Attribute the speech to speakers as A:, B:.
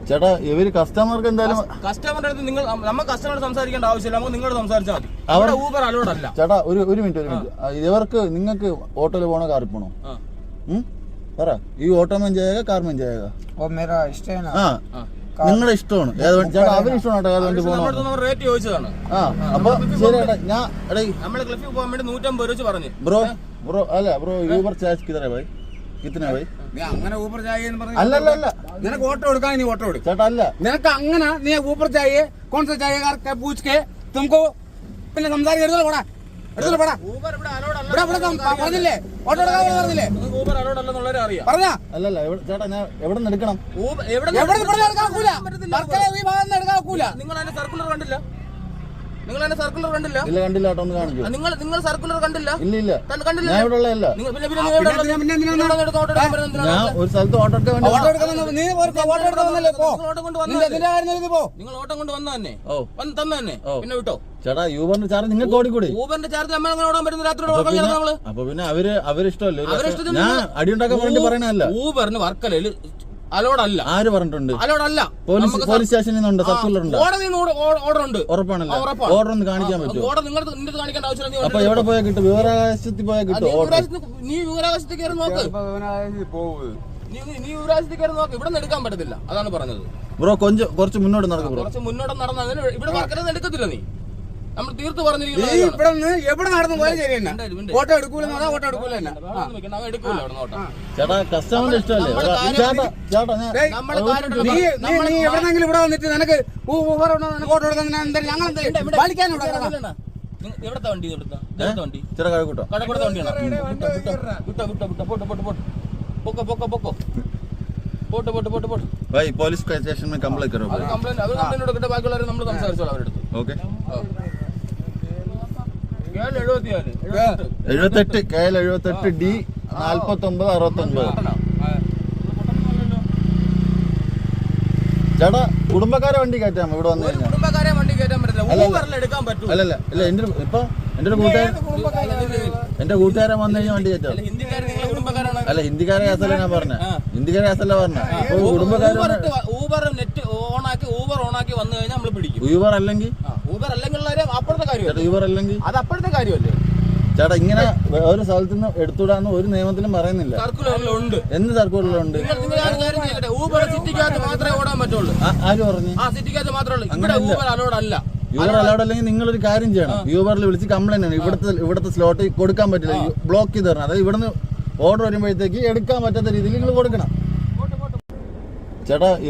A: ചേട്ടാ ഇവര് കസ്റ്റമർക്ക് എന്തായാലും
B: കസ്റ്റമറുടെ അടുത്ത് നിങ്ങൾ നമ്മൾ കസ്റ്റമറോട് സംസാരിക്കേണ്ട ആവശ്യമില്ല, നമുക്ക് നിങ്ങളോട് സംസാരിച്ചാൽ മതി. അവിടെ ഊബർ അലോഡല്ല.
A: ചേട്ടാ ഒരു മിനിറ്റ് ഇവർക്ക് നിങ്ങൾക്ക് ഓട്ടോയിൽ പോണോ കാറിൽ പോണോ? പറ, ഈ ഓട്ടോ में जाएगा कार में जाएगा?
C: वो मेरा इष्ट है ना.
A: നിങ്ങളുടെ ഇഷ്ടമാണ്. ചേട്ടാ അവര് ഇഷ്ടമാണ് ഏത് വണ്ടി പോകണോ?
B: റേറ്റ് ചോദിച്ചതാണ്.
A: അപ്പൊ ശരി ചേട്ടാ, ഞാൻ
B: നമ്മള് ക്ലിഫിൽ പോകാൻ വേണ്ടി 150 രൂപ പറഞ്ഞു.
A: ബ്രോ അല്ല ബ്രോ, ഊബർ ചാർജ് കിതറ ഭായി? കിतना भाई?
C: അങ്ങനെ ഊബർ ചായ എന്ന് പറഞ്ഞു.
A: അല്ല
C: നിനക്ക് ഓട്ടോ എടുക്കാൻ നീ ഓട്ടോ എടുക്കും
A: ചേട്ടാ. അല്ല
C: നിനക്ക് അങ്ങനെ നീ ഊബർ ചായ കോൺ സാ ചായ കാർ പൂछ के तुमको പിന്നെ സംസാരിക്കരുത്. പോടാ എടുത്തോളൂ, പോടാ.
B: ഊബർ ഇവിടെ അലോഡ് അല്ല.
C: പറഞ്ഞില്ലേ ഓട്ടോ എടുക്കാൻ പറഞ്ഞില്ലേ?
B: ഊബർ അലോഡ് അല്ലെന്നുള്ളവരെ അറിയാം.
C: പറഞ്ഞാ
A: അല്ലല്ല ചേട്ടാ, ഞാൻ എവിടെ നിന്ന് എടുക്കണം?
C: എവിടെ എടുക്കാക്കൂല. ഈ ഭാഗത്ത് എടുക്കാക്കൂല.
B: നിങ്ങൾ അതിന്റെ സർക്കുലർ കണ്ടില്ല? നിങ്ങൾ അതിന്റെ സർക്കുലർ കണ്ടില്ല?
A: ഇല്ല കണ്ടില്ല കേട്ടോ, ഒന്ന് കാണിക്കൂ.
B: നിങ്ങൾ സർക്കുലർ കണ്ടില്ല?
A: ഇല്ല
B: കണ്ടില്ല.
A: ഞാൻ ഇവിടെ ഉള്ളതല്ല.
B: പിന്നെ
A: ഞാൻ ഒരു സ്ഥലത്ത് ഓട്ടോ എടുക്കാൻ വേണ്ടി
C: ഓട്ടോ എടുക്കാൻ നീ ഓട്ടോ എടുക്കാൻ വന്നല്ലേ? പോ.
B: നിങ്ങൾ ഓട്ടം കൊണ്ട് വന്ന തന്നെ തന്നെ തന്നെ പിന്നെ വിട്ടോ.
A: ചേട്ടാ യൂബറിന്റെ ചാർജ് നിങ്ങൾക്ക് ഓടിക്കൂടെ?
B: ഊബറിന്റെ ചാർജ് നമ്മൾ അങ്ങനെ ഓടാൻ പറ്റുന്ന രാത്രി നമ്മള്.
A: അപ്പൊ പിന്നെ അവരിഷ്ടമല്ലേ? ഞാൻ അടിയുണ്ടാക്കാൻ വേണ്ടി പറയണല്ല.
B: ഊബറിന് വർക്കലയിൽ അലോഡല്ല.
A: ആര് പറഞ്ഞിട്ടുണ്ട്?
B: അലോഡല്ല.
A: പോലീസ് സ്റ്റേഷനിൽ നിന്നുണ്ട്, സർക്കുലർ ഉണ്ട്,
B: ഓർഡർ ഉണ്ട്.
A: ഉറപ്പാണല്ലോ. ഓർഡർ ഒന്ന് കാണിക്കാൻ പറ്റുമോ?
B: ഓർഡർ നിങ്ങൾക്ക് കാണിക്കേണ്ട ആവശ്യമില്ല.
A: അപ്പൊ എവിടെ പോയാൽ കിട്ടും? വിവരാവകാശത്തിൽ പോയാൽ കിട്ടും.
B: നീ വിവരാവകാശത്തിൽ കയറി നോക്ക്. നീ വിവരാവകാശത്തിൽ കയറി നോക്ക്. ഇവിടെ നിന്ന് എടുക്കാൻ പറ്റത്തില്ല, അതാണ് പറഞ്ഞത്.
A: ബ്രോ കുറച്ച് മുന്നോട്ട് നടക്കും. ബ്രോ
B: കുറച്ച് മുന്നോട്ട് നടന്നാൽ ഇവിടെ വർക്കലൊന്നും എടുക്കത്തില്ല. നീ നമ്മൾ തീർത്ത് പറഞ്ഞിരിക്കുന്നത്
C: എവിടെ നടന്നു പോയാലും ശരി തന്നെ. ഓട്ടോ എടുക്കൂല ഓട്ടോ എടുക്കൂല തന്നെ.
A: ചേട്ടാ കസ്റ്റമറിന്റെ ഇഷ്ടമല്ലേ?
C: നീ എവിടെന്നെങ്കിലും ഇവിടെ വന്നിട്ട് നിനക്ക് ഓട്ടോ എടുക്കാൻ ഞങ്ങൾ പാലിക്കാനുണ്ടോ?
B: എവിടത്തെ വണ്ടി? വണ്ടി
A: ചേട്ടാ കഴക്കൂട്ടോ?
B: കടക്കൂടത്തെ വണ്ടിയാണ്. പൊക്കോ.
A: भाई पुलिस स्टेशन में कंप्लेंट करो.
B: कंप्लेंट കൊടുക്കട്ടെ, ബാക്കിയുള്ളവരെ നമ്മൾ സംസാരിച്ചോളാം അവരുടെ അടുത്ത്.
A: ഓക്കെ.
B: 78
A: KL 78 D 4969. ചേട്ടാ കുടുംബക്കാരെ വണ്ടി കയറ്റാം ഇവിടെ വന്നു കഴിഞ്ഞാൽ?
B: കുടുംബക്കാരെ വണ്ടി കയറ്റാൻ പറ്റില്ല. ഊബറിൽ എടുക്കാൻ പറ്റും.
A: അല്ല എന്റെ കൂട്ടുകാരൻ വന്നു കഴിഞ്ഞാൽ വണ്ടി കയറ്റാം. അല്ല ഹിന്ദിക്കാരെ കേസല്ല ഞാൻ പറഞ്ഞ. ഹിന്ദിക്കാരെ കേസല്ല പറഞ്ഞ.
B: ഊബർ നെറ്റ് ഊബർ ഓണാക്കി വന്നു കഴിഞ്ഞാൽ നമ്മൾ പിടിക്കും.
A: ഊബർ അല്ലെങ്കിൽ
B: അപ്പുറത്തെ കാര്യം.
A: ഊബർ അല്ലെങ്കിൽ
B: അത് അപ്പുറത്തെ കാര്യമല്ലേ
A: ചേട്ടാ? ഇങ്ങനെ ഒരു സ്ഥലത്ത് നിന്ന് എടുത്തുവിടാന്ന് ഒരു നിയമത്തിലും പറയുന്നില്ല.
B: സർക്കുലറിലുണ്ട്.
A: എന്ത് സർക്കുലറിലുണ്ട്?
B: ഊബർ സിറ്റിക്കകത്ത് മാത്രമേ ഓടാൻ പറ്റുള്ളൂ.
A: ആര് പറഞ്ഞു?
B: സിറ്റിക്കകത്ത് മാത്രമേ ഉള്ളൂ. ഊബർ അലോഡ് അല്ല.
A: യൂബർ അലൗഡ് അല്ലെങ്കിൽ നിങ്ങളൊരു കാര്യം ചെയ്യണം. യൂബറിൽ വിളിച്ച് കംപ്ലൈന്റ് ആണ്. ഇവിടുത്തെ സ്ലോട്ട് കൊടുക്കാൻ പറ്റില്ല, ബ്ലോക്ക് ചെയ്ത് തരണം. അതായത് ഇവിടുന്ന് ഓർഡർ വരുമ്പോഴത്തേക്ക് എടുക്കാൻ പറ്റാത്ത രീതിയിൽ നിങ്ങൾ കൊടുക്കണം ചേട്ടാ.